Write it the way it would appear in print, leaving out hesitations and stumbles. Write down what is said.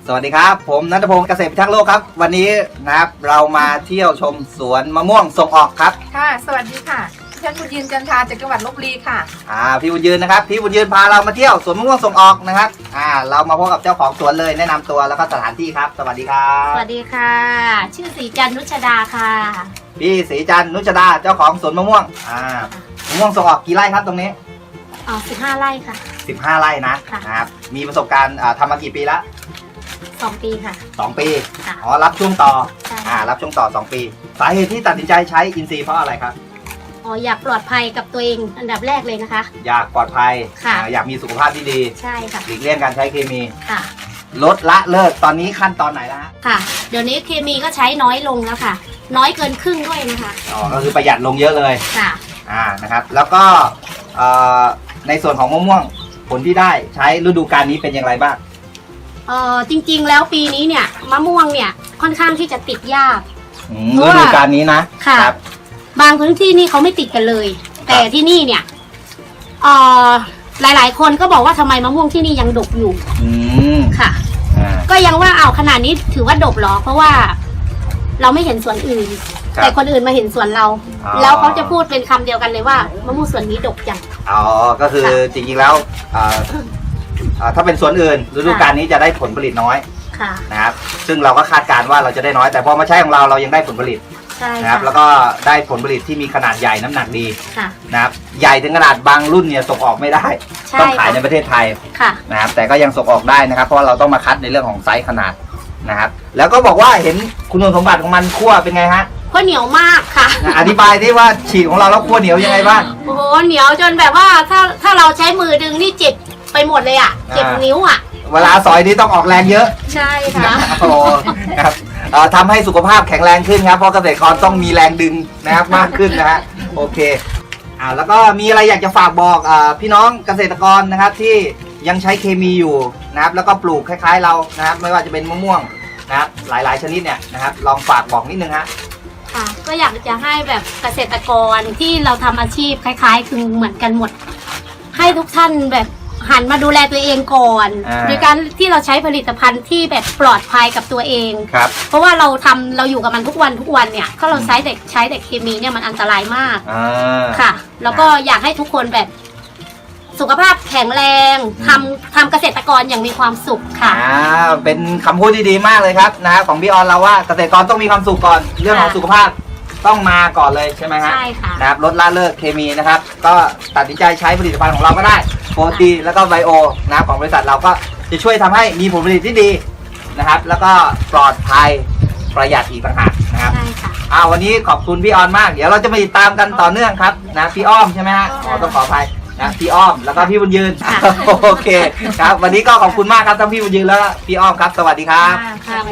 สวัสดีครับผมณัฐพงศ์เกษตรพิทักษ์โลกครับวันนี้นะครับเรามาเที่ยวชมสวนมะม่วงส่งออกครับค่ะสวัสดีค่ะฉันบุญยืนจันทราจากจังหวัดลพบุรีค่ะพี่บุญยืนนะครับพี่บุญยืนพาเรามาเที่ยวสวนมะม่วงส่งออกนะครับเรามาพบกับเจ้าของสวนเลยแนะนำตัวแล้วก็สถานที่ครับสวัสดีครับสวัสดีค่ะชื่อศรีจันทร์นุชดาค่ะพี่ศรีจันทร์นุชดาเจ้าของสวนมะม่วงมะม่วงส่งออกกี่ไร่ครับตรงนี้ 15 ไร่ค่ะ 15 ไร่นะครับมีประสบการณ์ทำมากี่ปีแล้ว 2 ปีค่ะ 2 ปีรับช่วงต่อรับช่วงต่อ2 ปีสาเหตุที่ตัดสินใจใช้อินทรีย์เพราะอะไรครับอยากปลอดภัยกับตัวเองอันดับแรกเลยนะคะอยากปลอดภัยอยากมีสุขภาพที่ดีใช่ค่ะหลีกเลี่ยงการใช้เคมีค่ะลดละเลิกตอนนี้ขั้นตอนไหนแล้วค่ะเดี๋ยวนี้เคมีก็ใช้น้อยลงแล้วค่ะน้อยเกินครึ่งด้วยนะคะก็คือประหยัดลงเยอะเลยค่ะนะครับแล้วก็ในส่วนของมะม่วงผลที่ได้ใช้ฤดูกาลนี้เป็นอย่างไรบ้างจริงๆแล้วปีนี้เนี่ยมะม่วงเนี่ยค่อนข้างที่จะติดยากฤดูกาลนี้นะค่ะบางพื้นที่นี่เขาไม่ติดกันเลยแต่ที่นี่เนี่ยหลายๆคนก็บอกว่าทำไมมะม่วงที่นี่ยังดกอยู่ค่ะก็ยังว่าขนาดนี้ถือว่าดกหรอเพราะว่าเราไม่เห็นสวนอื่นแต่คนอื่นมาเห็นสวนเราแล้วเขาจะพูดเป็นคำเดียวกันเลยว่ามะม่วงสวนนี้ดกจังก็คือจริงๆแล้วถ้าเป็นสวนอื่นฤดูกาลนี้จะได้ผลผลิตน้อยนะครับซึ่งเราก็คาดการณ์ว่าเราจะได้น้อยแต่พอมาใช้ของเรายังได้ผลผลิตนะครับแล้วก็ได้ผลผลิตที่มีขนาดใหญ่น้ำหนักดีนะครับใหญ่ถึงขนาดบางรุ่นเนี่ยส่งออกไม่ได้ต้องขายในประเทศไทยนะครับแต่ก็ยังส่งออกได้นะครับเพราะเราต้องมาคัดในเรื่องของไซส์ขนาดนะครับแล้วก็บอกว่าเห็นคุณสมบัติของมันคั่วเป็นไงฮะคั่วเหนียวมากค่ะอธิบายที่ว่าฉีกของเราแล้วคั่วเหนียวยังไงบ้างโอ้โหเหนียวจนแบบว่าถ้าเราใช้มือดึงนี่เจ็บไปหมดเลยเจ็บนิ้วเวลาสอยนี่ต้องออกแรงเยอะใช่ค่ะครับทำให้สุขภาพแข็งแรงขึ้นครับเพราะเกษตรกรต้องมีแรงดึงนะครับมากขึ้นนะฮะโอเคแล้วก็มีอะไรอยากจะฝากบอกพี่น้องเกษตรกรนะครับที่ยังใช้เคมีอยู่นะครับแล้วก็ปลูกคล้ายๆเรานะครับไม่ว่าจะเป็นมะม่วงนะครับหลายๆชนิดเนี่ยนะครับลองฝากบอกนิดนึงฮะค่ะก็อยากจะให้แบบเกษตรกรที่เราทำอาชีพคล้ายๆคือเหมือนกันหมดให้ทุกท่านแบบหันมาดูแลตัวเองก่อนโดยการที่เราใช้ผลิตภัณฑ์ที่แบบปลอดภัยกับตัวเองเพราะว่าเราอยู่กับมันทุกวันเนี่ยถ้าเราใช้แต่เคมีเนี่ยมันอันตรายมากค่ะแล้วก็อยากให้ทุกคนแบบสุขภาพแข็งแรงทำเกษตรกรอย่างมีความสุขค่ะเป็นคำพูดที่ดีมากเลยครับนะของพี่ออนเราว่าเกษตรกรต้องมีความสุขก่อนเรื่องของสุขภาพต้องมาก่อนเลยใช่ไหมฮะใช่ค่ะนะครับลดละเลิกเคมีนะครับก็ตัดสินใจใช้ผลิตภัณฑ์ของเราก็ได้โปรตีแล้วก็ไบโอนะของบริษัทเราก็จะช่วยทำให้มีผลผลิตที่ดีนะครับแล้วก็ปลอดภัยประหยัดอีกต่างหากนะครับใช่ค่ะวันนี้ขอบคุณพี่ออนมากเดี๋ยวเราจะมาติดตามกันต่อเนื่องครับนะพี่อ้อมใช่ไหมฮะต้องขออภัยนะพี่อ้อมแล้วก็พี่บุญยืนโอเคครับวันนี้ก็ขอบคุณมากครับทั้งพี่บุญยืนแล้วก็พี่อ้อมครับสวัสดีครับ